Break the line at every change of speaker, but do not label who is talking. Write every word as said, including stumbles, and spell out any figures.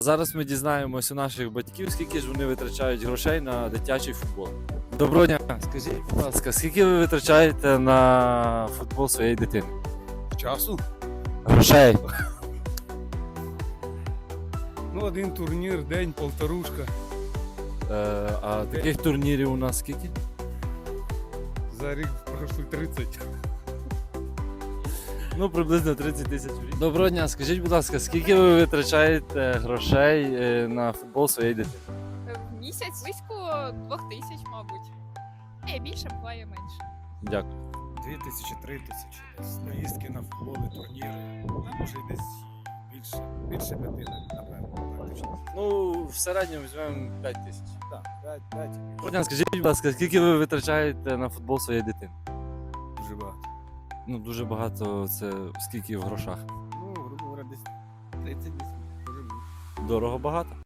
Зараз ми дізнаємось у наших батьків, скільки ж вони витрачають грошей на дитячий футбол. Доброго дня. Скажіть, будь ласка, скільки ви витрачаєте на футбол своєї дитини?
Часу?
Грошей.
Ну, один турнір, день, полторушка.
Е, а таких турнірів у нас скільки?
За рік пройшли тридцять.
Ну, приблизно тридцять тисяч в рік. Доброго дня. Скажіть, будь ласка, скільки ви витрачаєте грошей е, на футбол своєї дитини?
В місяць близько двох тисяч, мабуть. Є більше, буває менше.
Дякую.
Дві тисячі, три тисячі. Десь поїздки на футболи, турніри. А може й десь більше. Більше п'яти, напевно. Так, точно.
Ну, в середньому візьмемо п'ять тисяч.
Так, п'ять, п'ять.
Доброго дня. Скажіть, будь ласка, скільки ви витрачаєте на футбол своєї дитини?
Дуже багато.
Ну, дуже багато, це скільки в грошах?
Ну, грубо говоря, десь тридцять десь. Може бути.
Дорого багато?